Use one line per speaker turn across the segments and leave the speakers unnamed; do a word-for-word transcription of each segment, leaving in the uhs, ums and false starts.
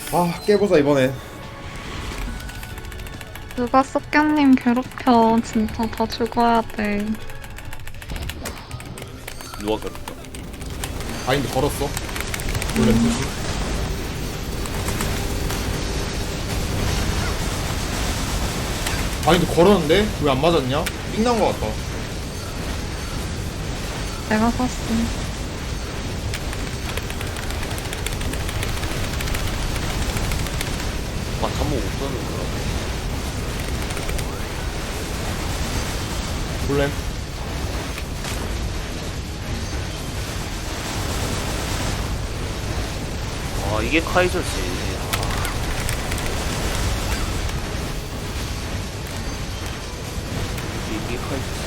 아 깨보자 이번엔.
누가 썩경님 괴롭혀. 진짜 다 죽어야 돼.
누가 그랬어?
바인드 걸었어. 원래 표시. 바인드 걸었는데 왜 안 맞았냐? 삥난 거 같다.
내가 샀어.
아, 잠못 못 쓰는 거야.
볼렘.
아, 이게 카이저지. 아. 이게 카이저지.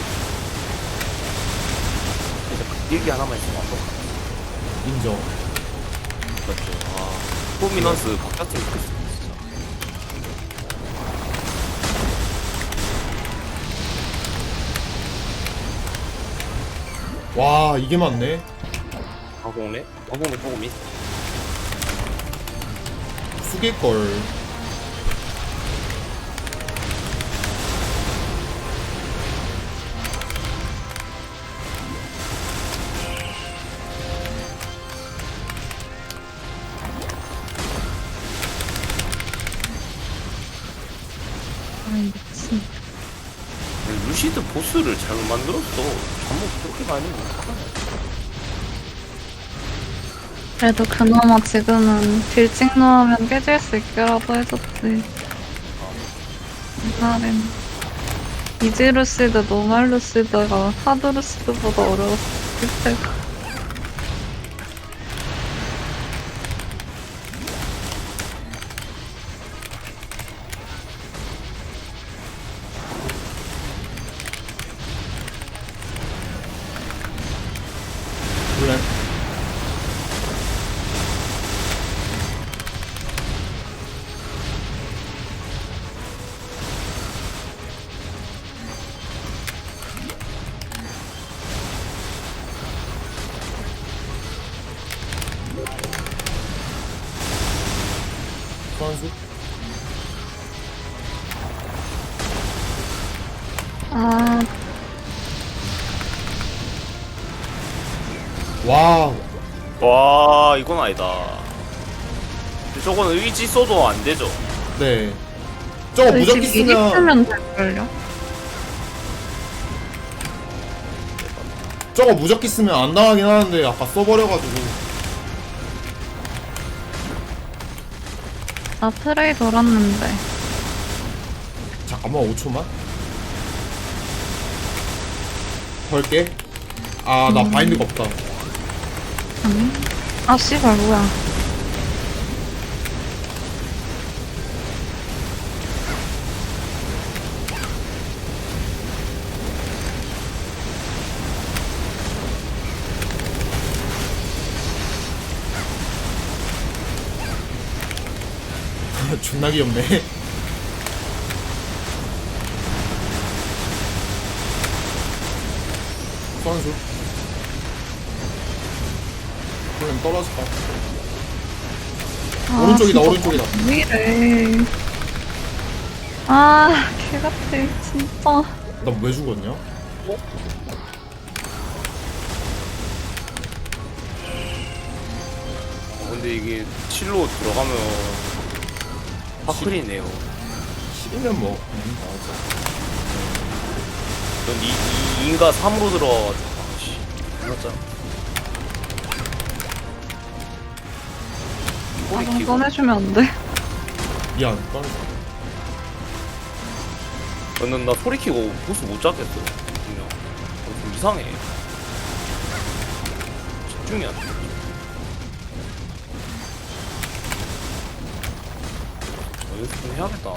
진짜 그 일기 하나만 있으면 완벽하다.
인정.
맞죠. 아, 포미넌스 바깥으로 좋겠어, 진짜.
와 이게 맞네.
가공래? 가공래 조금 있
숙일걸.
아이, 미친.
루시드 보스를 잘못 만들었어. 잠못 그렇게 많이 못하네.
그래도 그나마 지금은 딜찍 넣으면 깨질 수 있게라도 해줬지. 옛날엔 이지루시드, 노말루시드가 하드루시드보다 어려웠을 때가.
볼렘. 선수.
아,
와
와, 이건 아니다. 근데 저거는 의지 써도 안 되죠.
네. 저거 무적기
의지 미리
쓰면
쓰면 될걸요?
저거 무적기 쓰면 안 당하긴 하는데 아까 써버려가지고.
나 프레이 돌았는데.
잠깐만 오 초만. 걸게. 아 나 바인드가 없다.
아니? 아, 씨발, 뭐야.
존나 귀엽네. 선수. 볼렘 떨어질까?
아,
오른쪽이다,
진짜
오른쪽이다.
왜 이래. 아, 개같아, 진짜.
나 왜 죽었냐?
어, 근데 이게 칠로 들어가면 파클이네요.
십이면 뭐 음, 맞아.
전 이, 이인가 삼으로 들어가가지고 씨, 몰랐잖아.
아, 좀
꼬리키고
꺼내주면 안 돼?
미안 떨어져.
저는 나 소리 키고 보스 못 잡겠어. 그냥 어, 좀 이상해. 집중이 안 돼. 어, 연습 좀 해야겠다.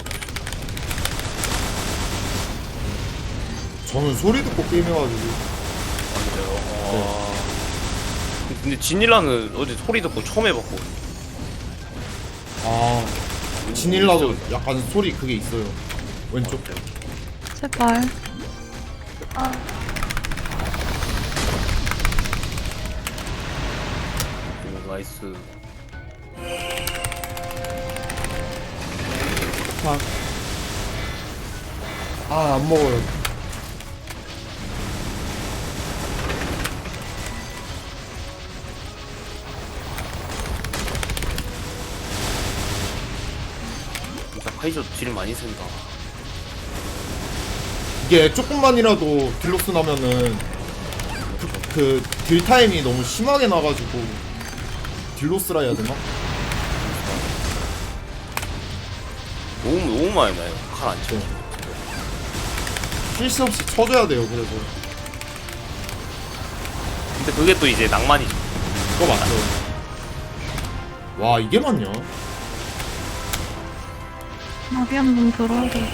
저는 소리 듣고 게임해가지고.
맞아요. 아... 근데 지닐라는 어제 소리 듣고 처음 해봤고.
아 진일라도 약간 소리 그게 있어요. 왼쪽.
제발. 아,
오, 나이스.
팍. 아, 안 먹어요.
진짜 카이저 딜 많이 센다.
이게 조금만이라도 딜로스 나면은 그, 그 딜타임이 너무 심하게 나가지고 딜로스라 해야 되나?
너무 너무 많이 나요. 칼 안 쳐.
쉴 새 없이 쳐줘야 돼요. 그래서
근데 그게 또 이제 낭만이죠.
그거 맞죠? 와, 이게 맞냐?
나비 한번 들어야 돼.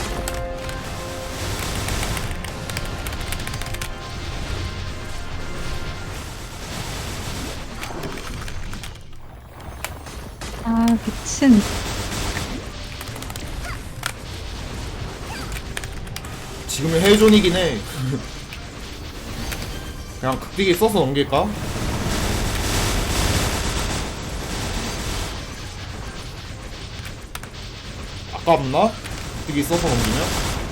아, 미친.
지금은 헬존이긴 해. 그냥 극딜기 써서 넘길까? 아깝나? 극딜기 써서 넘기면?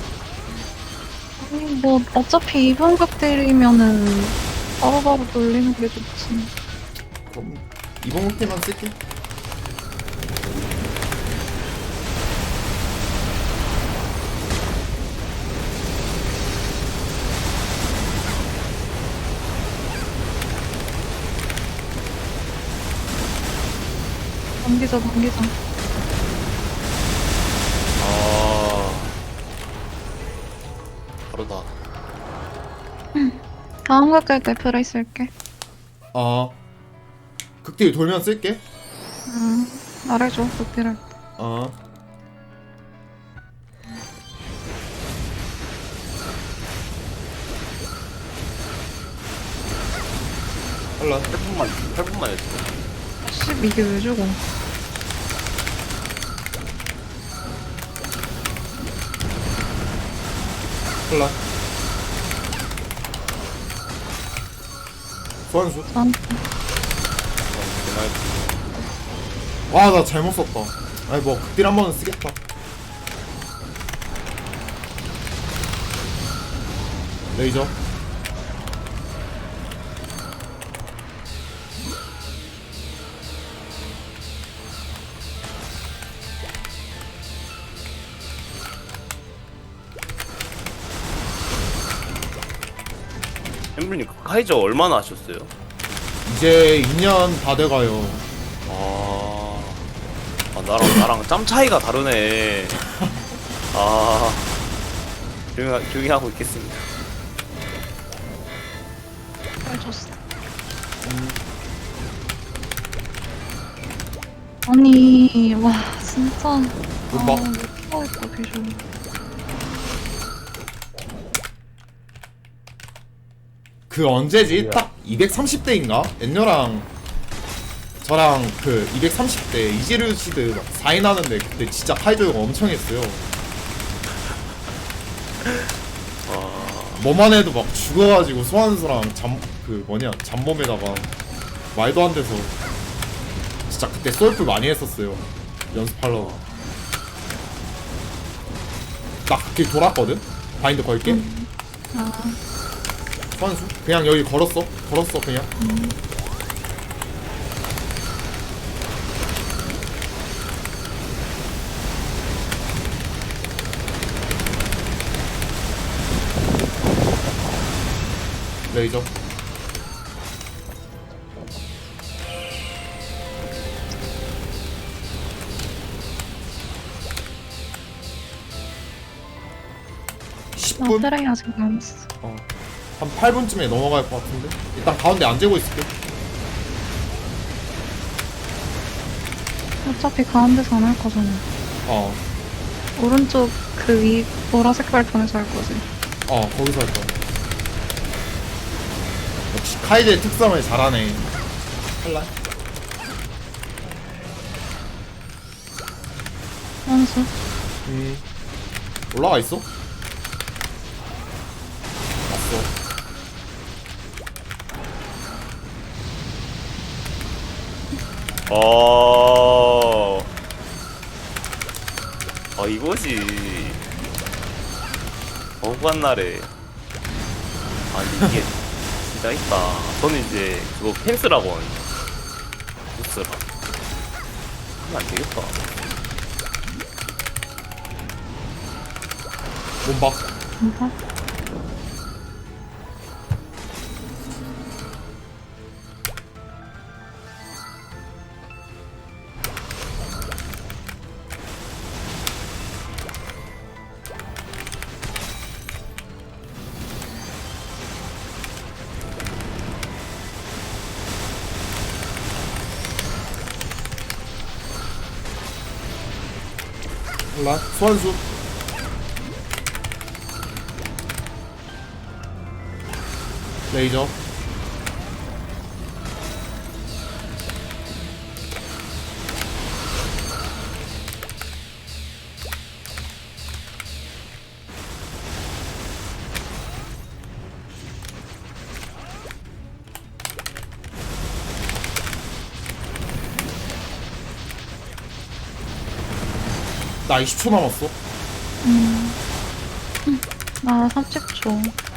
아니, 뭐, 어차피 이번 극딜이면은 바로바로 돌리는 게 좋지.
그럼 이번 극딜만 쓸게.
넘기자, 넘기자.
아 바로다.
다음 극딜 때 프레이 쓸게.
아, 극딜 돌면 쓸게.
응, 말해줘, 극딜을.
아, 할라.
팔 분만 팔 분만 했어.
씨, 이게 왜 죽어?
할라. 소환수.
난,
와, 나 잘못 썼다. 아니, 뭐 극딜 한 번은 쓰겠다. 레이저.
엠블님 카이저 얼마나 하셨어요?
이제 이 년 다 돼가요.
아, 아 나랑 나랑 짬 차이가 다르네. 아, 조용히, 조용히 하고 있겠습니다.
해줬어. 아니, 와, 진짜. 아,
음악.
못 하겠다, 비주얼.
그 언제지? 딱 이백삼십 대인가? 엔녀랑 저랑 그 이백삼십 대 이지루시드 막 사 인 하는데 그때 진짜 카이조가 엄청 했어요. 뭐만 해도 막 죽어가지고 소환수랑 잠 그 뭐냐 잠범에다가 말도 안 돼서 진짜 그때 솔플 많이 했었어요. 연습하려고. 나 그렇게 돌았거든? 바인드 걸게.
아,
소환수? 그냥 여기 걸었어. 걸었어 그냥. 레이저. 십
나
분?
트레이 아직 남았어.
어. 한 팔 분쯤에 넘어갈 것 같은데? 일단 가운데 안 재고 있을게.
어차피 가운데서 안 할 거잖아.
어.
오른쪽 그 위 보라색 발판에서 할 거지.
어, 거기서 할 거야. 역시 카이드의 특성을 잘하네. 할라?
원수.
음. 올라가 있어? 왔어.
어, 아 이거지. 억울한 날에. 아니 이게 진짜 있다. 저는 이제 그거 펜스라고 하거든요. 펜스라. 하면 안 되겠다.
몸박.
뭔가?
몰라. 소환수. 레이저. 나 이십 초 남았어.
음. 나 삼십 초.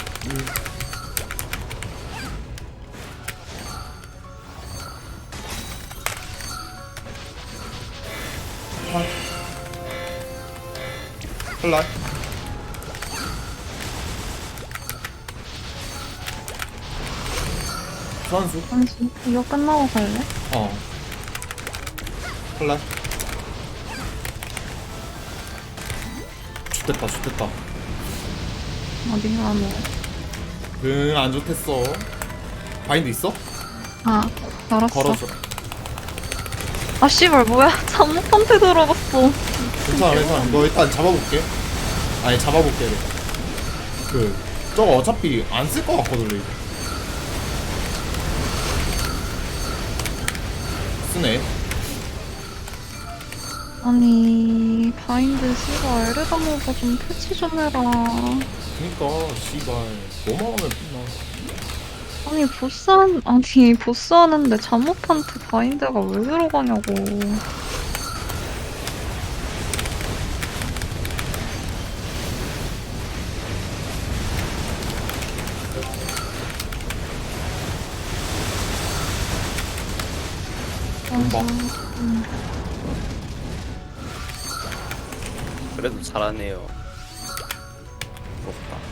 플라이. 소환수.
잠시 이거 끝나고 갈래?
어. 플라이. 좋됐다, 좋됐다.
어디 가노?
응, 안 좋댔어. 바인드 있어?
아, 알았어.
걸어줘.
아, 씨발, 뭐야. 잠못한테 들어갔어.
괜찮아, 괜찮아. 너 일단 잡아볼게. 아니, 잡아볼게. 내가. 그, 저거 어차피 안 쓸 것 같거든, 레이저. 쓰네.
아니, 바인드 씨발, 에르다모가 좀 패치 좀 해라.
그니까, 씨발. 뭐만 하면 끝나.
아니, 보스한, 아니, 보스 하는데 잠못한테 바인드가 왜 들어가냐고.
뭐?
음.
그래도 잘하네요. 부럽다.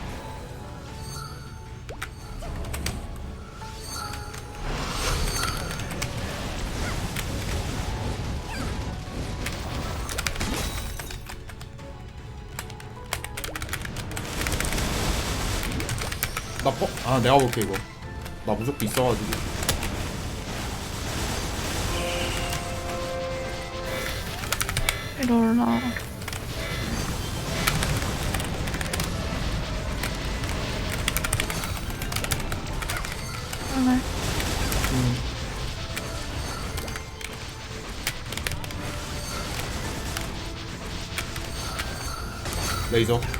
나 퍼? 아, 내가 볼게, 이거. 나 무조건 있어가지고.
이럴라. 그래.
음. 레이저.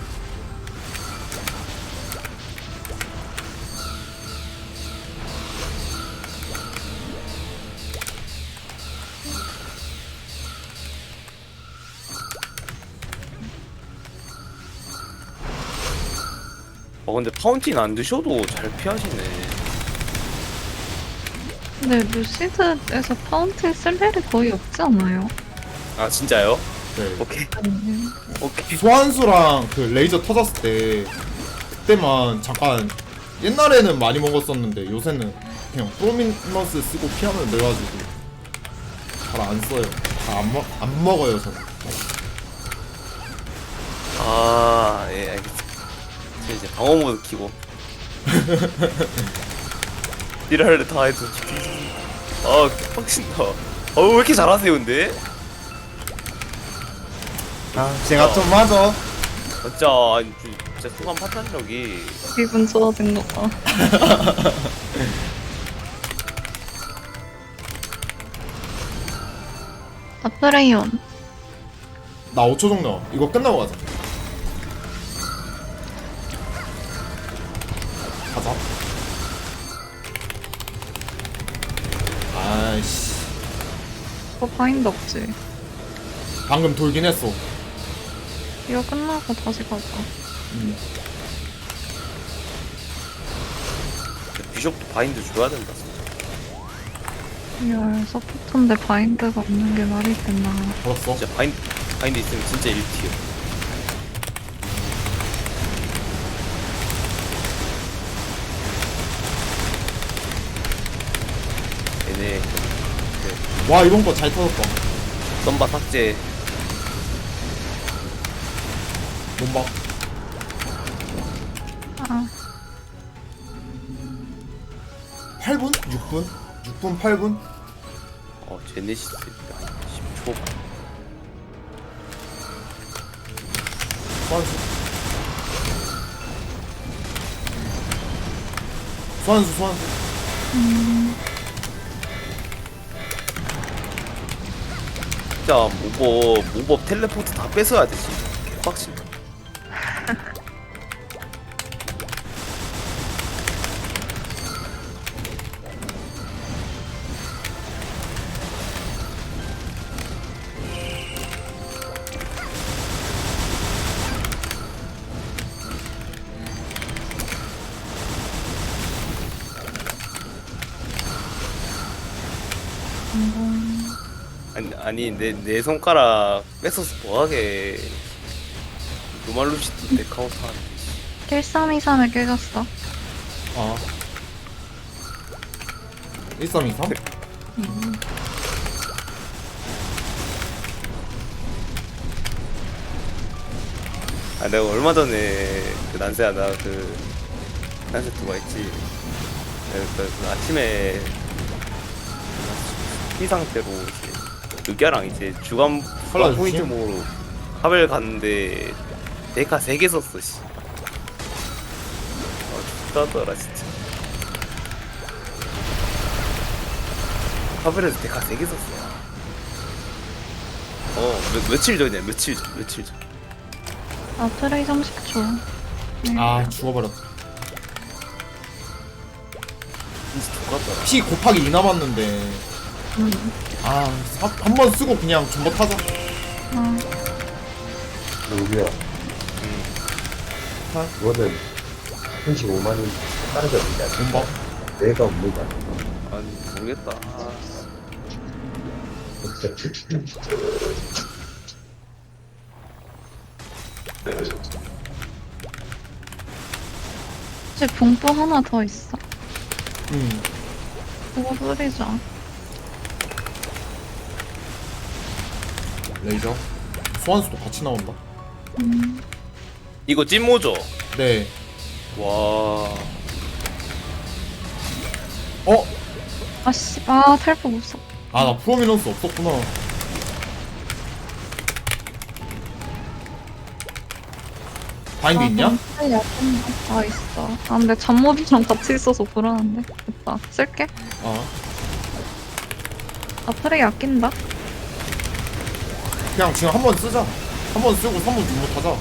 어 근데 파운틴 안 드셔도 잘 피하시네.
근데 루시드에서 파운틴 쓸 일이 거의 없지 않아요?
아 진짜요?
네.
오케이
아니,
오케이.
소환수랑 그 레이저 터졌을 때 그때만 잠깐 옛날에는 많이 먹었었는데 요새는 그냥 프로미너스 쓰고 피하면 돼가지고 잘 안 써요. 잘 안 먹, 안 먹어요 저는.
아예 알겠습니다. 저 이제 방어 모드 키고 딜할 다 해도 아 빡친다. 어왜 이렇게 잘하세요 근데?
아 제가 좀 맞아.
진짜 아니, 진짜 소감 판단력이
기분 좋아진 것 봐. 아프레이온.
나 오 초 정도. 이거 끝나고 가자. 가자. 아이씨.
그거 바인드 없지?
방금 돌긴 했어.
이거 끝나고 다시 가자.
음.
비숍도 바인드 줘야 된다 진짜.
이걸 서포터인데 바인드가 없는 게 말이 됐나.
걸었어.
진짜 바인드 바인드 있으면 진짜 일 티어. 얘네
와 이번 거 잘 터졌다.
썸바 삭제.
몸박.
아,
팔 분? 육 분? 육 분 팔 분?
어 제네시스 십 초.
소환수. 소환수 소환수.
진짜 모법 모법 텔레포트 다 뺏어야 되지. 빡친다. 아니 아니 내 내 손가락 뺏어서 뭐하게. 루말루시티 내 카운터 하네.
일삼이삼에 깨졌어.
아. 일삼이삼?
아 내가 얼마 전에 그 난세야 나그 난세 두가 있지. 내가 그, 그 아침에 피 상태로 이제 르기아랑 이제 주간
컬러
포인트
주심?
모으러 하벨 갔는데 데카 세 개 썼어 씨. 아 죽다더라 진짜. 하벨에서 데카 세 개 썼어. 어 며, 며칠 전이야 며칠 전 며칠 전.
아, 트레이 삼십 초. 네.
아 죽어버렸다.
진짜 죽었더라.
피 곱하기 이 남았는데.
음.
아 한 번 쓰고 그냥 전부 타자.
아,
누구야?
아.
이거는 삼십오만 원 따르지 않는다.
몸박.
내가 없는 거야.
아니 모르겠다. 아,
혹시 봉또 하나 더 있어.
음.
그거 뿌리자.
레이저. 소환수도 같이 나온다.
음.
이거 찐모죠?
네.
와.
어?
아씨, 아, 탈포 못 써.
아 나 프로미넌스 없었구나. 바인드 있냐?
아, 약간 아, 있어. 아, 근데 잠모비랑 같이 있어서 불안한데. 됐다. 쓸게.
아
아, 트레이 아낀다.
그냥 지금 한 번 쓰자. 한 번 쓰고 삼 번 중못 하자.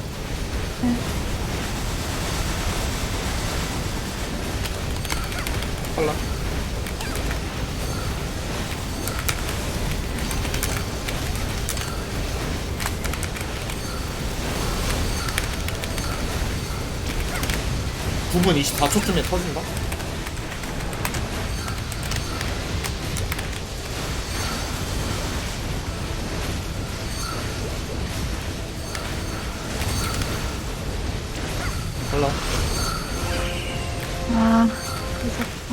할라. 구 분 이십사 초쯤에 터진다? 할라.
아, 무섭다.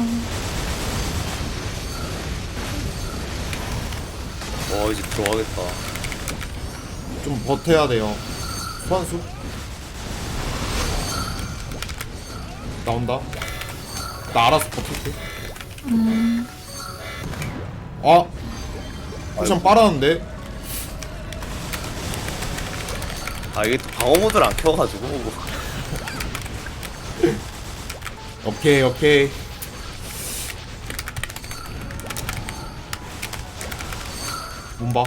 와 이제 들어가겠다.
좀 버텨야 돼요. 소환수. 나온다. 나 알아서 버틸게.
음,
아! 쿠션 빨았는데?
아 이게 또 방어 모드를 안 켜가지고.
오케이, 오케이. 몸봐.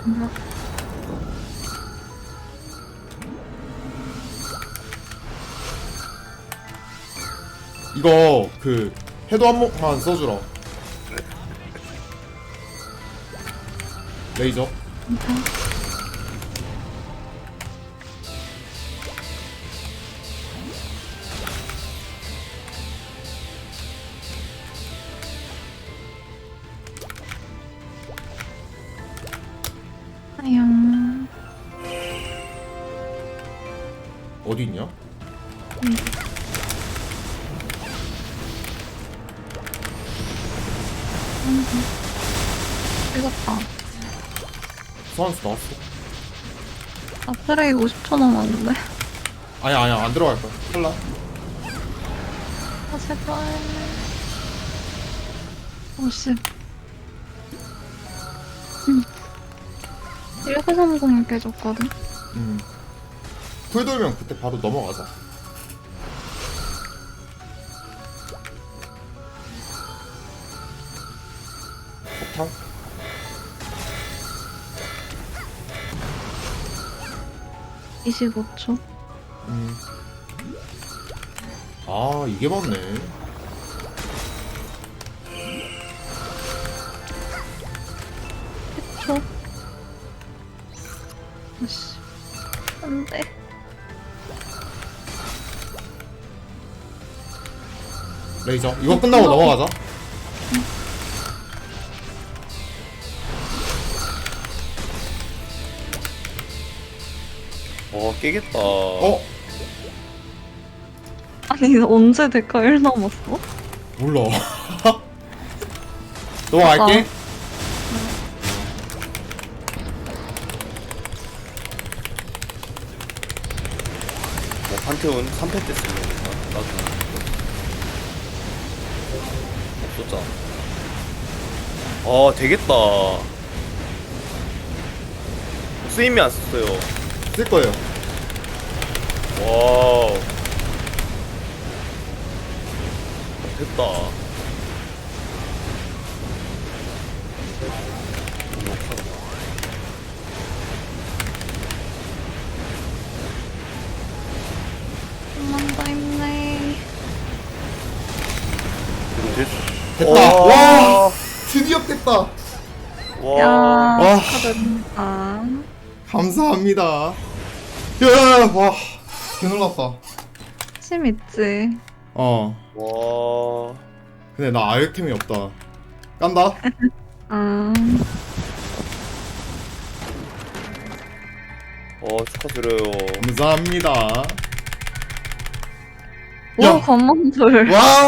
이거 그 해도 한 목만 써주라. 레이저.
아양.
어디 있냐?
찍었다.
소환수 나왔어.
아, 트레이 오십 초 남았는데.
아니야 아니야 안 들어갈 거야. 탈라.
아, 제발. 오십. 음. 일구삼공 깨졌거든.
음. 쿨 돌면 그때 바로 넘어가자. 폭탄?
이십오 초.
음. 아 이게 맞네.
십 초. 아씨. 안 돼.
레이저 이거 끝나고 넘어가자.
어 깨겠다.
어?
아니, 언제 데카 일 남았어?
몰라. 넘어갈게.
뭐 판테온 삼 패 때 쓰는 건가? 나도 없었잖아. 어 되겠다. 쓰임이 안 썼어요.
쓸 거예요.
와우. 됐다.
좀만 더 힘내.
됐.
됐다. 와 드디어 깼다.
야,
와.
와.
축하드립니다.
감사합니다. 야, 와, 개놀랐다.
심 있지.
어,
와.
근데 나 아이템이 없다. 깐다.
아,
어 축하드려요.
감사합니다.
오,
야.
건망돌.
와.